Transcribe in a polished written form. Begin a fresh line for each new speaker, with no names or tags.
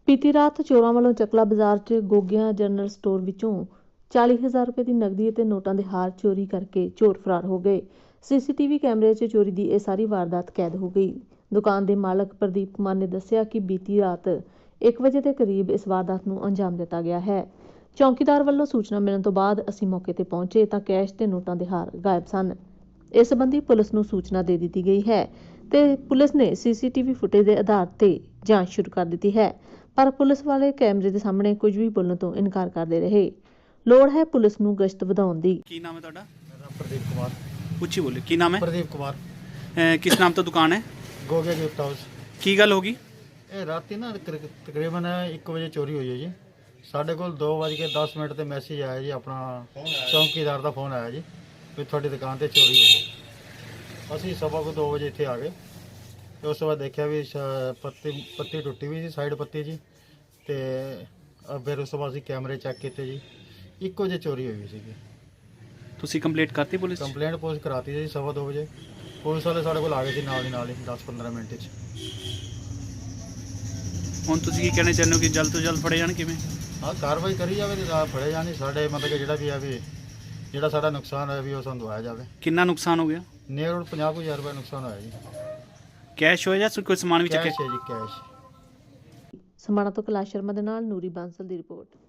ਬੀਤੀ ਰਾਤ ਚੋਰਾਂ ਵੱਲੋਂ ਚੱਕਲਾ ਬਾਜ਼ਾਰ 'ਚ ਗੋਗਿਆਂ ਜਨਰਲ ਸਟੋਰ ਵਿੱਚੋਂ 40,000 ਰੁਪਏ ਦੀ ਨਕਦੀ ਅਤੇ ਨੋਟਾਂ ਦੇ ਹਾਰ ਚੋਰੀ ਕਰਕੇ ਚੋਰ ਫਰਾਰ ਹੋ ਗਏ। ਸੀਸੀਟੀਵੀ ਕੈਮਰੇ 'ਚ ਚੋਰੀ ਦੀ ਇਹ ਸਾਰੀ ਵਾਰਦਾਤ ਕੈਦ ਹੋ ਗਈ। ਦੁਕਾਨ ਦੇ ਮਾਲਕ ਪ੍ਰਦੀਪ ਕੁਮਾਰ ਨੇ ਦੱਸਿਆ ਕਿ ਬੀਤੀ ਰਾਤ 1 ਵਜੇ ਦੇ ਕਰੀਬ ਇਸ ਵਾਰਦਾਤ ਨੂੰ ਅੰਜਾਮ ਦਿੱਤਾ ਗਿਆ ਹੈ। ਚੌਕੀਦਾਰ ਵੱਲੋਂ ਸੂਚਨਾ ਮਿਲਣ ਤੋਂ ਬਾਅਦ ਅਸੀਂ ਮੌਕੇ ਤੇ ਪਹੁੰਚੇ ਤਾਂ ਕੈਸ਼ ਤੇ ਨੋਟਾਂ ਦੇ ਹਾਰ ਗਾਇਬ ਸਨ। ਇਸ ਸੰਬੰਧੀ ਪੁਲਿਸ ਨੂੰ ਸੂਚਨਾ ਦੇ ਦਿੱਤੀ ਗਈ ਹੈ ਤੇ ਪੁਲਿਸ ਨੇ ਸੀਸੀਟੀਵੀ ਫੁਟੇਜ ਦੇ ਆਧਾਰ ਤੇ ਜਾਂਚ ਸ਼ੁਰੂ ਕਰ ਦਿੱਤੀ ਹੈ। ਪਰ ਪੁਲਿਸ ਵਾਲੇ ਕੈਮਰੇ ਦੇ ਸਾਹਮਣੇ ਕੁਝ ਵੀ ਬੋਲਣ ਤੋਂ ਇਨਕਾਰ ਕਰਦੇ ਰਹੇ। ਲੋੜ ਹੈ ਪੁਲਿਸ ਨੂੰ ਗਸ਼ਤ ਵਧਾਉਣ ਦੀ।
ਕੀ ਨਾਮ ਹੈ ਤੁਹਾਡਾ?
मेरा प्रदीप कुमार।
ਉੱਚੀ ਬੋਲੇ। ਕੀ ਨਾਮ ਹੈ?
प्रदीप कुमार।
ਕਿਸ ਨਾਮ ਤੋਂ ਦੁਕਾਨ ਹੈ?
गोगे गिफ्ट हाउस।
ਕੀ ਗੱਲ ਹੋ ਗਈ?
ਇਹ ਰਾਤੀ ਨਾ ਤਕਰੀਬਨ 1 ਵਜੇ ਚੋਰੀ ਹੋਈ ਹੈ ਜੀ। ਸਾਡੇ ਕੋਲ 2:10 ਤੇ ਮੈਸੇਜ ਆਇਆ ਜੀ, ਆਪਣਾ ਚੌਂਕੀਦਾਰ ਦਾ ਫੋਨ ਆਇਆ ਜੀ ਵੀ ਤੁਹਾਡੀ ਦੁਕਾਨ ਤੇ ਚੋਰੀ ਹੋਈ ਹੈ। ਅਸੀਂ ਸਵਾ ਕੋ 2 ਵਜੇ ਇੱਥੇ ਆ ਗਏ ਤੇ ਉਸ ਤੋਂ ਬਾਅਦ ਦੇਖਿਆ ਵੀ ਪੱਤੀ ਟੁੱਟੀ ਹੋਈ ਸੀ, ਸਾਈਡ ਪੱਤੀ ਜੀ। ਤੇ ਫਿਰ ਉਸ ਤੋਂ ਬਾਅਦ ਅਸੀਂ ਕੈਮਰੇ ਚੈੱਕ ਕੀਤੇ ਜੀ, 1 ਵਜੇ ਚੋਰੀ ਹੋਈ ਸੀਗੀ।
ਤੁਸੀਂ ਕੰਪਲੀਟ ਕਰਤੀ ਪੁਲਿਸ 'ਚ?
ਕੰਪਲੇਂਟ ਪੋਸਟ ਕਰਾਤੀ ਜੀ ਸਵਾ 2 ਵਜੇ। ਪੁਲਿਸ ਵਾਲੇ ਸਾਡੇ ਕੋਲ ਆ ਗਏ ਸੀ ਨਾਲ ਹੀ 10-15 ਮਿੰਟ 'ਚ।
ਹੁਣ ਤੁਸੀਂ ਕੀ ਕਹਿਣਾ ਚਾਹੁੰਦੇ ਹੋ ਕਿ ਜਲਦ ਤੋਂ ਜਲਦ ਫੜੇ ਜਾਣ? ਕਿਵੇਂ?
ਹਾਂ, ਕਾਰਵਾਈ ਕਰੀ ਜਾਵੇ ਤੇ ਫੜੇ ਜਾਣ। ਸਾਡੇ ਮਤਲਬ ਕਿ ਜਿਹੜਾ ਵੀ ਆ ਵੀ ਜਿਹੜਾ ਸਾਡਾ ਨੁਕਸਾਨ ਹੋਇਆ ਵੀ ਉਹ ਸਾਨੂੰ ਦਵਾਇਆ ਜਾਵੇ।
ਕਿੰਨਾ ਨੁਕਸਾਨ ਹੋ ਗਿਆ?
ਨੀਅਰ 50,000 ਰੁਪਏ ਨੁਕਸਾਨ ਹੋਇਆ ਜੀ।
ਕੈਸ਼ ਹੋਇਆ ਜਾਂ ਕੋਈ ਸਮਾਨ ਵੀ ਚੱਕਿਆ?
ਕੈਸ਼ ਹੈ ਜੀ, ਕੈਸ਼।
ਸਮਾਣਾ ਤੋਂ ਕੈਲਾਸ਼ ਸ਼ਰਮਾ ਦੇ ਨਾਲ ਨੂਰੀ ਬਾਂਸਲ ਦੀ ਰਿਪੋਰਟ।